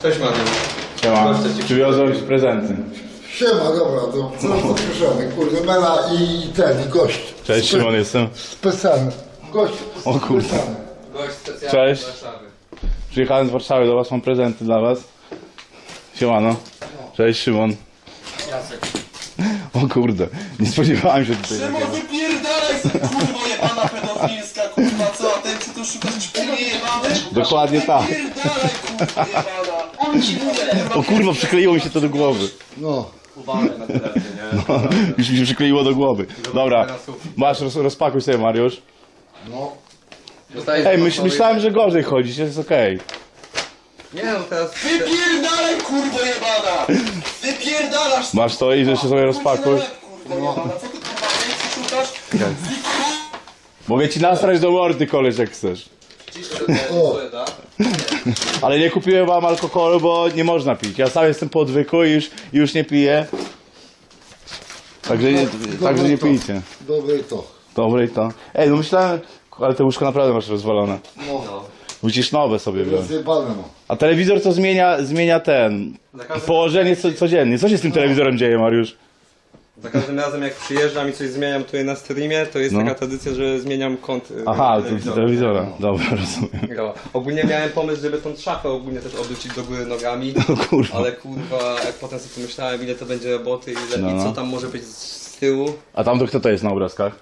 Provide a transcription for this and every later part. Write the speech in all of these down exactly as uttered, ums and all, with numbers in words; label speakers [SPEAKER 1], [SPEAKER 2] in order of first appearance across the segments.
[SPEAKER 1] Cześć Mariusz.
[SPEAKER 2] Siema, przywiozłem ci prezenty.
[SPEAKER 3] Siema, dobra, to co to przyszedłem, kurde, Mela i ten, i gość.
[SPEAKER 2] Cześć,
[SPEAKER 3] Spe
[SPEAKER 2] Szymon jestem.
[SPEAKER 3] Specjalny. Gość
[SPEAKER 2] O kurde.
[SPEAKER 3] specjalny.
[SPEAKER 1] Gość specjalny
[SPEAKER 2] Cześć.
[SPEAKER 1] z Warszawy.
[SPEAKER 2] Przyjechałem z Warszawy do was, mam prezenty dla was. Siemano. Cześć, Szymon.
[SPEAKER 1] Jacek.
[SPEAKER 2] O kurde, nie spodziewałem się tutaj.
[SPEAKER 4] Szymon, wypierdalaj sobie, kurwo jebana pedofilska, kurwa, co? A ten czy tu szukasz czpiny jebane?
[SPEAKER 2] Dokładnie tak.
[SPEAKER 4] Wypierdalaj, kurwa jebana. On ci mówi,
[SPEAKER 2] O kurwa, przykleiło mi się to do głowy.
[SPEAKER 3] No.
[SPEAKER 1] Uwagę na telefon, nie?
[SPEAKER 2] No, już mi się przykleiło do głowy. Dobra, masz, roz, rozpakuj sobie, Mariusz.
[SPEAKER 3] No.
[SPEAKER 1] Dostajesz
[SPEAKER 2] Ej,
[SPEAKER 1] do
[SPEAKER 2] myśl,
[SPEAKER 1] pokoju-
[SPEAKER 2] myślałem, że gorzej chodzić, jest okej.
[SPEAKER 1] Nie no, teraz...
[SPEAKER 4] wypierdalaj, kurwo jebana. Wypierdalasz.
[SPEAKER 2] Masz to i że się sobie rozpakuj.
[SPEAKER 4] Kurwa jebana, co ty kurwa więcej szukasz?
[SPEAKER 2] Mogę ci nastrać do mordy, koleś, jak chcesz.
[SPEAKER 1] Ciszę do tego,
[SPEAKER 3] O.
[SPEAKER 1] co da?
[SPEAKER 2] Ale nie kupiłem wam alkoholu, bo nie można pić. Ja sam jestem po odwyku i już, i już nie piję. Także nie, także nie pijcie.
[SPEAKER 3] Dobre to.
[SPEAKER 2] Dobre i to. Ej, no myślałem, ale te łóżko naprawdę masz rozwalone.
[SPEAKER 3] No.
[SPEAKER 1] No.
[SPEAKER 2] Musisz nowe sobie wziąć.
[SPEAKER 3] Rozjebane mam.
[SPEAKER 2] A telewizor to zmienia, zmienia ten,
[SPEAKER 1] Za każdym,
[SPEAKER 2] położenie co, codziennie. Co się z tym telewizorem dzieje, Mariusz?
[SPEAKER 1] za każdym razem jak przyjeżdżam i coś zmieniam tutaj na streamie, to jest
[SPEAKER 2] No.
[SPEAKER 1] taka tradycja, że zmieniam kąt y,
[SPEAKER 2] Aha, to
[SPEAKER 1] telewizora.
[SPEAKER 2] telewizora. Dobra, rozumiem.
[SPEAKER 1] No. Ogólnie miałem pomysł, żeby tą szafę ogólnie też obrócić do góry nogami,
[SPEAKER 2] O kurwa.
[SPEAKER 1] ale kurwa, jak potem sobie pomyślałem, ile to będzie roboty, ile
[SPEAKER 2] No,
[SPEAKER 1] i
[SPEAKER 2] no.
[SPEAKER 1] co tam może być z, z tyłu.
[SPEAKER 2] A tam to kto to jest na obrazkach?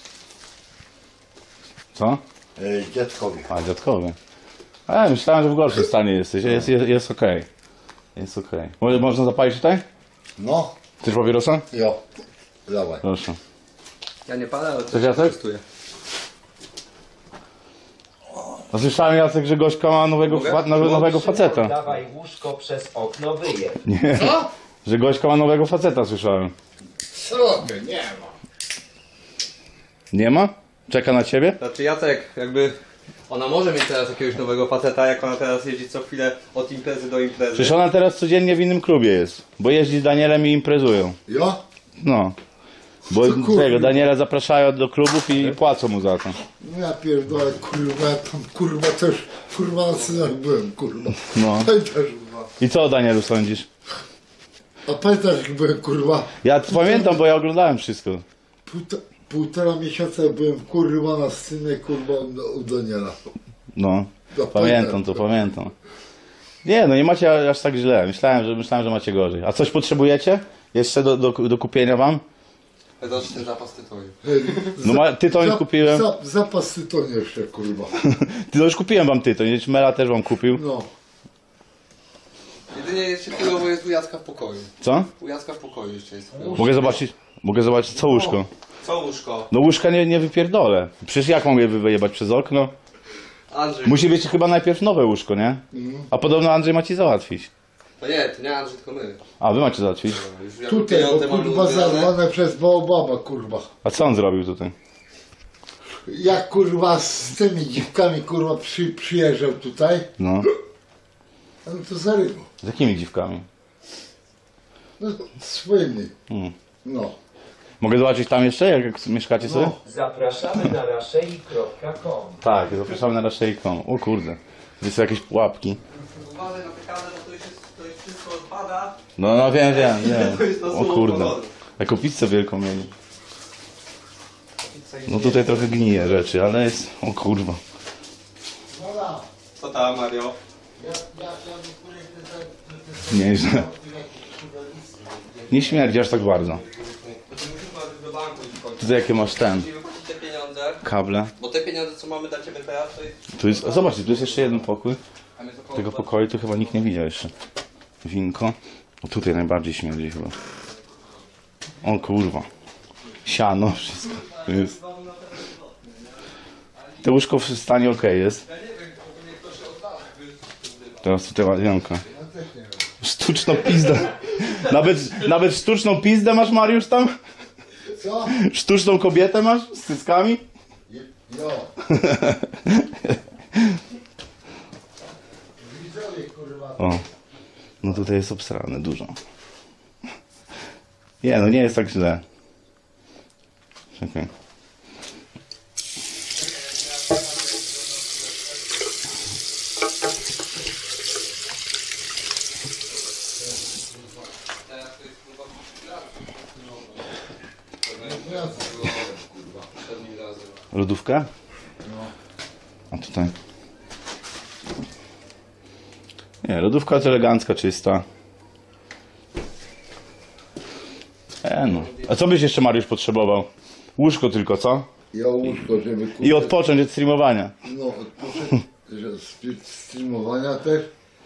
[SPEAKER 2] Co?
[SPEAKER 3] Ej, dziadkowi.
[SPEAKER 2] A, dziadkowy. A, myślałem, że w gorszym stanie jesteś. Jest, jest, jest okej. Jest okej. Może można zapalić tutaj?
[SPEAKER 3] No.
[SPEAKER 2] Chcesz papierosa?
[SPEAKER 3] Jo. Dawaj.
[SPEAKER 2] Proszę.
[SPEAKER 1] Ja nie palę, ale
[SPEAKER 2] Chcesz, Jacek?
[SPEAKER 1] testuję.
[SPEAKER 2] No słyszałem, Jacek, że Gośka ma nowego,
[SPEAKER 1] Mogę?
[SPEAKER 2] fa- nowe- nowego faceta.
[SPEAKER 5] Dawaj łóżko przez okno wyje.
[SPEAKER 2] Nie.
[SPEAKER 3] Co?
[SPEAKER 2] Że Gośka ma nowego faceta, słyszałem.
[SPEAKER 3] Co ty, nie ma.
[SPEAKER 2] Nie ma? Czeka na ciebie?
[SPEAKER 1] Znaczy Jacek, jakby ona może mieć teraz jakiegoś nowego faceta, jak ona teraz jeździ co chwilę od imprezy do imprezy.
[SPEAKER 2] Przecież ona teraz codziennie w innym klubie jest. Bo jeździ z Danielem i imprezują.
[SPEAKER 3] Jo?
[SPEAKER 2] No. Bo
[SPEAKER 3] Co kurwa?
[SPEAKER 2] tego, Daniela zapraszają do klubów i płacą mu za to.
[SPEAKER 3] No ja pierdolę, kurwa, ja tam kurwa też, kurwa na synach byłem, kurwa.
[SPEAKER 2] No.
[SPEAKER 3] Pamiętasz, kurwa.
[SPEAKER 2] I co o Danielu sądzisz?
[SPEAKER 3] A pamiętasz, jak byłem, kurwa,
[SPEAKER 2] Ja pamiętam, bo ja oglądałem wszystko.
[SPEAKER 3] półta, półtora miesiąca byłem, kurwa, na synie, kurwa, u, u Daniela.
[SPEAKER 2] No.
[SPEAKER 3] No,
[SPEAKER 2] Pamiętam to, pamiętam. Nie, no nie macie aż tak źle. Myślałem, że, myślałem, że macie gorzej. A coś potrzebujecie? Jeszcze do, do, do kupienia wam?
[SPEAKER 1] Zobacz ten zapas tytoniu.
[SPEAKER 3] Ej,
[SPEAKER 2] No ma, tytoń kupiłem.
[SPEAKER 3] Za, zapas tytoń jeszcze, kurwa.
[SPEAKER 2] Ty, no już kupiłem wam tytoń, Mela też wam kupił.
[SPEAKER 3] No.
[SPEAKER 1] Jedynie jeszcze chwilowo jest u Jacka w pokoju.
[SPEAKER 2] Co?
[SPEAKER 1] U Jacka w pokoju jeszcze jest.
[SPEAKER 2] Mogę zobaczyć? Mogę zobaczyć co łóżko?
[SPEAKER 1] Co łóżko?
[SPEAKER 2] No łóżka nie, nie wypierdolę. Przecież jak mam je wyjebać przez okno?
[SPEAKER 1] Andrzej.
[SPEAKER 2] Musi być chyba najpierw nowe łóżko, nie? A podobno Andrzej ma ci załatwić.
[SPEAKER 1] No nie, to nie Andrzej, tylko my.
[SPEAKER 2] A, wy macie załatwić.
[SPEAKER 1] Już jak
[SPEAKER 3] Tutaj, bo
[SPEAKER 1] pieniądze mamy
[SPEAKER 3] kurwa
[SPEAKER 1] uzbierane.
[SPEAKER 3] zarwane przez Baobaba, kurwa.
[SPEAKER 2] A co on zrobił tutaj?
[SPEAKER 3] Jak kurwa z tymi dziwkami, kurwa, przy, przyjeżdżał tutaj,
[SPEAKER 2] No.
[SPEAKER 3] no to zarywał.
[SPEAKER 2] Z jakimi dziwkami?
[SPEAKER 3] No, swoimi.
[SPEAKER 2] Hmm.
[SPEAKER 3] No.
[SPEAKER 2] Mogę zobaczyć tam jeszcze, jak, jak mieszkacie sobie?
[SPEAKER 3] No.
[SPEAKER 5] Zapraszamy na raszei kropka com.
[SPEAKER 2] Tak, zapraszamy na raszejką. O kurde. To są jakieś pułapki.
[SPEAKER 1] Uważaj na tę kamerę, bo to już, jest, to już wszystko odpada.
[SPEAKER 2] No, no wiem, wiem,
[SPEAKER 1] To jest
[SPEAKER 2] wiem.
[SPEAKER 1] na
[SPEAKER 2] O
[SPEAKER 1] słowo
[SPEAKER 2] kurde.
[SPEAKER 1] poloru.
[SPEAKER 2] Jaką pizzę wielką mieli. No tutaj trochę gnije rzeczy, ale jest... O kurwa.
[SPEAKER 3] Dobra.
[SPEAKER 1] Co tam, Mario?
[SPEAKER 3] Ja, ja, ja nie
[SPEAKER 2] Nieźle. Nie śmierdzi aż tak bardzo.
[SPEAKER 1] Musimy do banku iść w końcu.
[SPEAKER 2] Tutaj jakie masz ten...
[SPEAKER 1] Musimy wypłacić te pieniądze,
[SPEAKER 2] Kable.
[SPEAKER 1] bo te pieniądze, co mamy dla Ciebie teraz, to jest...
[SPEAKER 2] Tu jest... A zobaczcie, tu jest jeszcze jeden pokój.
[SPEAKER 1] Tam jest około
[SPEAKER 2] Tego pokoju tu chyba nikt nie widział jeszcze. Winko. O tutaj najbardziej śmierdzi chyba. O kurwa. Siano, wszystko tu jest. To łóżko w stanie ok jest. Teraz tutaj łazienka. Sztuczną pizdę. Nawet, nawet sztuczną pizdę masz, Mariusz, tam?
[SPEAKER 3] Co?
[SPEAKER 2] Sztuczną kobietę masz z cyckami?
[SPEAKER 3] Jo. Widzowie, kurwa.
[SPEAKER 2] O. No tutaj jest obsrane dużo. Nie, no nie jest tak źle. Czekaj. Lodówkę? A tutaj. Nie, lodówka jest elegancka, czysta. E no. A co byś jeszcze, Mariusz, potrzebował? Łóżko tylko, co?
[SPEAKER 3] Ja łóżko, żeby kurde,
[SPEAKER 2] I odpocząć od streamowania.
[SPEAKER 3] no, odpocząć, że z streamowania też.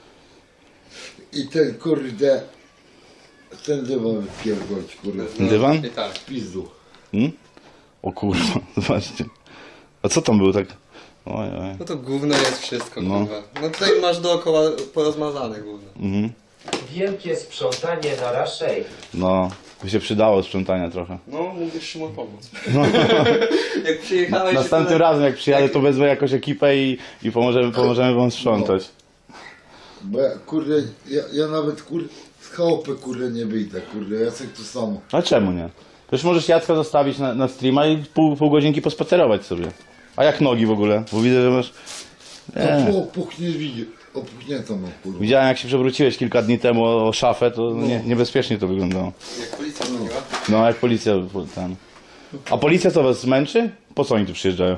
[SPEAKER 3] I ten kurde, ten dywan wypierdolić, kurde,
[SPEAKER 2] Dywan?
[SPEAKER 1] I tak.
[SPEAKER 3] w pizdu.
[SPEAKER 2] Hmm? O kurwa, zobaczcie. A co tam było tak? Oj, oj.
[SPEAKER 1] No to gówno jest wszystko,
[SPEAKER 2] No.
[SPEAKER 1] kurwa. No tutaj masz dookoła porozmazane gówno.
[SPEAKER 2] Mhm.
[SPEAKER 5] Wielkie sprzątanie na raszej.
[SPEAKER 2] No, by się przydało sprzątania trochę.
[SPEAKER 1] No, mówisz Szymon pomóc. Jak przyjechałeś...
[SPEAKER 2] Następnym
[SPEAKER 1] tyle-
[SPEAKER 2] razem jak przyjadę, to wezmę jakąś ekipę i, i pomożemy, pomożemy wam sprzątać.
[SPEAKER 3] Bo ja, kurde, ja, ja nawet kurde, z chałupy kurde nie wyjdę, kurde, Jacek to samo.
[SPEAKER 2] A czemu nie? Przecież możesz Jacka zostawić na, na streama i pół, pół godzinki pospacerować sobie. A jak nogi w ogóle? Bo widzę, że masz...
[SPEAKER 3] To
[SPEAKER 2] Nie.
[SPEAKER 3] po opuchnie widzi, opuchnięto mam, kurwa.
[SPEAKER 2] Widziałem, jak się przewróciłeś kilka dni temu o, o szafę, to nie, niebezpiecznie to wyglądało.
[SPEAKER 1] Jak policja dzwoniła.
[SPEAKER 2] No, jak policja tam. A policja co was zmęczy? Po co oni tu przyjeżdżają?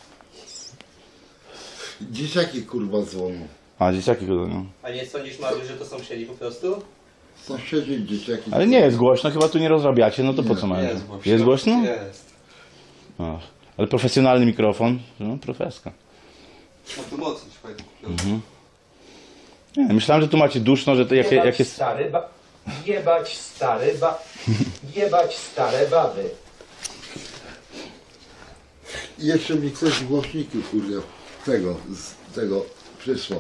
[SPEAKER 3] Dzieciaki kurwa dzwonią.
[SPEAKER 2] A, dzieciaki go no.
[SPEAKER 1] A nie sądzisz, Mariusz, że to sąsiedzi po prostu?
[SPEAKER 3] Sąsiedzi, dzieciaki.
[SPEAKER 2] Ale nie jest głośno, chyba tu nie rozrabiacie, no to po co mają?
[SPEAKER 1] Jest głośno.
[SPEAKER 2] Jest głośno?
[SPEAKER 1] Jest.
[SPEAKER 2] Ach, ale profesjonalny mikrofon, no profeska.
[SPEAKER 1] No tu mocno się fajnie kupiło.
[SPEAKER 2] Nie, myślałem, że tu macie duszno, że to jak,
[SPEAKER 5] Jebać
[SPEAKER 2] jak jest...
[SPEAKER 5] stary ba... Jebać stary ba... Jebać stare baby.
[SPEAKER 3] I jeszcze mi ktoś głośniki kurde tego, z tego przysłał.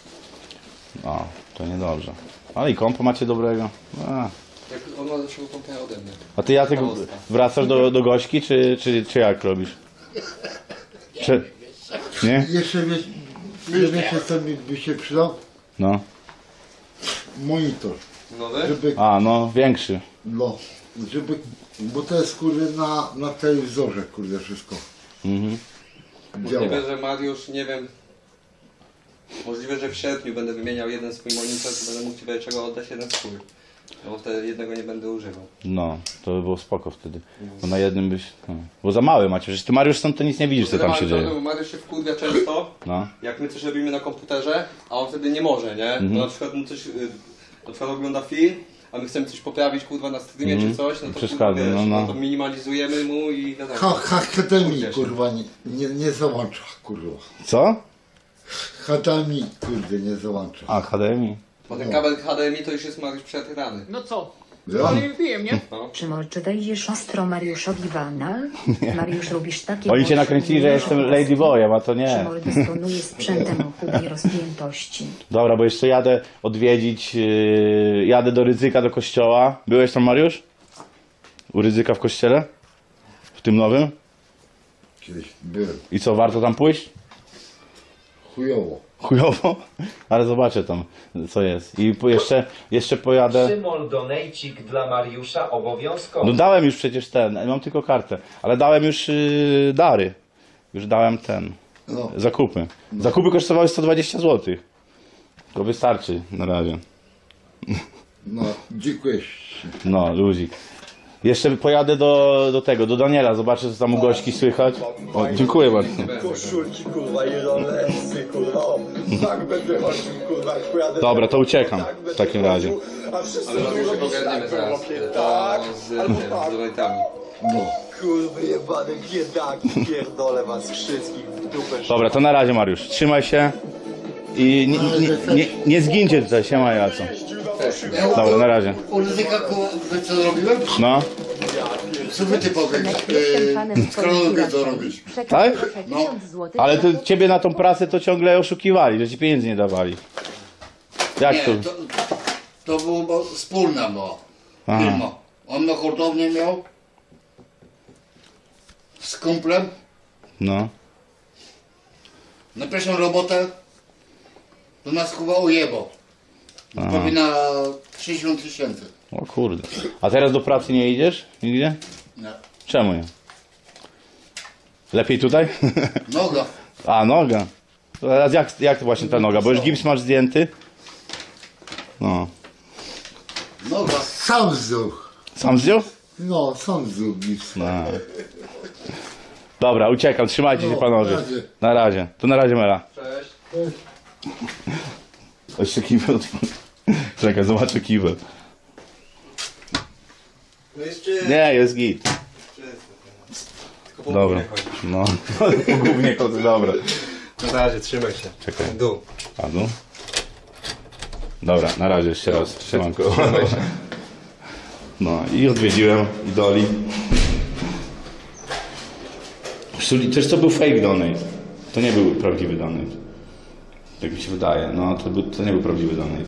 [SPEAKER 2] O, to niedobrze. Ale i kompo macie dobrego. A,
[SPEAKER 1] Jak on ma lepszego komputera ode mnie.
[SPEAKER 2] a ty Jacek wracasz do, do Gośki, czy, czy, czy jak robisz? Czy... Nie?
[SPEAKER 3] Jeszcze wiesz, wiecie co mi by się przydał?
[SPEAKER 2] No.
[SPEAKER 3] Monitor.
[SPEAKER 1] Nowy?
[SPEAKER 3] Żeby,
[SPEAKER 2] A, no, większy.
[SPEAKER 3] no, żeby, bo to jest kurde na, na telewizorze kurde wszystko.
[SPEAKER 2] Mhm.
[SPEAKER 3] Działa.
[SPEAKER 1] Możliwe, że Mariusz, nie wiem... Możliwe, że w sierpniu będę wymieniał jeden swój monitor, to będę mógł ci będzie czego oddać jeden swój. No bo wtedy jednego nie będę używał.
[SPEAKER 2] No, to by było spoko wtedy. Bo na jednym byś... No. Bo za mały macie, przecież ty Mariusz stąd to nic nie widzisz, co tam się
[SPEAKER 1] Mariusz,
[SPEAKER 2] dzieje.
[SPEAKER 1] Bo Mariusz się wkurwia często,
[SPEAKER 2] No.
[SPEAKER 1] jak my coś robimy na komputerze, a on wtedy nie może, nie?
[SPEAKER 2] Mhm.
[SPEAKER 1] To na przykład mu coś, y, na przykład ogląda film, a my chcemy coś poprawić kurwa na streamie
[SPEAKER 2] Mhm.
[SPEAKER 1] czy coś, no to
[SPEAKER 2] Przeszkadza,
[SPEAKER 1] kurwa, wiesz,
[SPEAKER 2] no, no.
[SPEAKER 1] no to minimalizujemy mu i wiadomo.
[SPEAKER 3] Ha, ha, H D M I
[SPEAKER 1] Kurde się.
[SPEAKER 3] kurwa nie, nie, nie załącza kurwa.
[SPEAKER 2] Co?
[SPEAKER 3] H D M I kurde nie załącza.
[SPEAKER 2] A, H D M I.
[SPEAKER 1] Bo ten kabel H D M I to już jest Mariusz przetrany.
[SPEAKER 6] No co?
[SPEAKER 3] Ja?
[SPEAKER 6] Ale pijem, nie?
[SPEAKER 7] Szymon, czy wejdziesz ostro Mariuszowi w anal? Mariusz, robisz takie...
[SPEAKER 2] Oni cię nakręcili, że jestem Ladyboyem, a to nie.
[SPEAKER 7] Szymon dysponuje sprzętem o hubie rozpiętości.
[SPEAKER 2] Dobra, bo jeszcze jadę odwiedzić, yy, jadę do Rydzyka, do kościoła. Byłeś tam, Mariusz? U Rydzyka w kościele? W tym nowym?
[SPEAKER 3] Kiedyś byłem.
[SPEAKER 2] I co, warto tam pójść?
[SPEAKER 3] Chujowo.
[SPEAKER 2] Chujowo? Ale zobaczę tam, co jest. I po jeszcze, jeszcze pojadę...
[SPEAKER 5] Szymon donejcik dla Mariusza obowiązkowy.
[SPEAKER 2] No dałem już przecież ten, mam tylko kartę. Ale dałem już yy, dary. Już dałem ten,
[SPEAKER 3] No.
[SPEAKER 2] zakupy. Zakupy kosztowały sto dwadzieścia złotych. To wystarczy na razie.
[SPEAKER 3] No, dziękuję.
[SPEAKER 2] No, luzik. Jeszcze pojadę do, do tego, do Daniela, zobaczę co tam u Gośki słychać. O, dziękuję bardzo.
[SPEAKER 8] Koszulki, kurwa, i rolesy, kurwa, o, tak będę chodził, kurwa, jak pojadę.
[SPEAKER 2] Dobra, to uciekam
[SPEAKER 8] tak będę
[SPEAKER 2] w takim razie.
[SPEAKER 8] chodził, A wszyscy
[SPEAKER 1] Ale
[SPEAKER 8] będą
[SPEAKER 1] Mariusz
[SPEAKER 8] robić
[SPEAKER 1] ogarniemy
[SPEAKER 8] tak,
[SPEAKER 1] zaraz
[SPEAKER 8] chłopie,
[SPEAKER 1] to
[SPEAKER 8] tak,
[SPEAKER 1] z,
[SPEAKER 8] albo
[SPEAKER 1] z
[SPEAKER 8] tak.
[SPEAKER 1] donatami.
[SPEAKER 3] No.
[SPEAKER 8] Kurwy jebane biedaki, pierdolę was wszystkich w dupę.
[SPEAKER 2] Dobra, to na razie, Mariusz. Trzymaj się i nie, nie, nie, nie zgincie tutaj, siema Jaco. Dobra, na razie.
[SPEAKER 3] U Ryzyka wy co zrobiłem?
[SPEAKER 2] No,
[SPEAKER 3] Co wy ty powiesz?
[SPEAKER 7] Jestem fanem
[SPEAKER 3] Yy, skoro lubię to robić.
[SPEAKER 2] tak?
[SPEAKER 3] No.
[SPEAKER 2] Ale to ciebie na tą pracę to ciągle oszukiwali, że ci pieniędzy nie dawali. Jak
[SPEAKER 9] Nie,
[SPEAKER 2] to?
[SPEAKER 9] to, to było bo wspólna była
[SPEAKER 2] Aha.
[SPEAKER 9] firma. On na hurtownię miał z kumplem.
[SPEAKER 2] No.
[SPEAKER 9] Na pierwszą robotę to nas chyba ujebał.
[SPEAKER 2] Aha.
[SPEAKER 9] Prawie na sześćdziesiąt tysięcy.
[SPEAKER 2] O kurde. A teraz do pracy nie idziesz? Nigdzie?
[SPEAKER 9] Nie.
[SPEAKER 2] Czemu nie? Lepiej tutaj?
[SPEAKER 9] Noga.
[SPEAKER 2] A, noga. To teraz jak, jak właśnie ta noga? Bo już gips masz zdjęty? No.
[SPEAKER 9] Noga.
[SPEAKER 3] Sam zdjął.
[SPEAKER 2] Sam zdjął?
[SPEAKER 3] No, sam zdjął gips.
[SPEAKER 2] No. Dobra, uciekam, trzymajcie się
[SPEAKER 3] No,
[SPEAKER 2] panowie.
[SPEAKER 3] na razie.
[SPEAKER 2] Na razie. To na razie, Mela.
[SPEAKER 1] Cześć.
[SPEAKER 2] Jeszcze kibel otworzy. Czekaj, zobaczę kibel.
[SPEAKER 1] No jeszcze...
[SPEAKER 2] Nie, jest git.
[SPEAKER 1] Tylko po
[SPEAKER 2] Dobra.
[SPEAKER 1] górę chodzi.
[SPEAKER 2] No, głównie chodzę, dobra.
[SPEAKER 1] Na razie, trzymaj się.
[SPEAKER 2] Czekaj.
[SPEAKER 1] W dół.
[SPEAKER 2] Padł. Dobra, na razie jeszcze raz. Siemanko. No i odwiedziłem idoli. Zresztą też to był fake donate. To nie był prawdziwy donate. Tak mi się wydaje. No to, był, to nie był prawdziwy donate.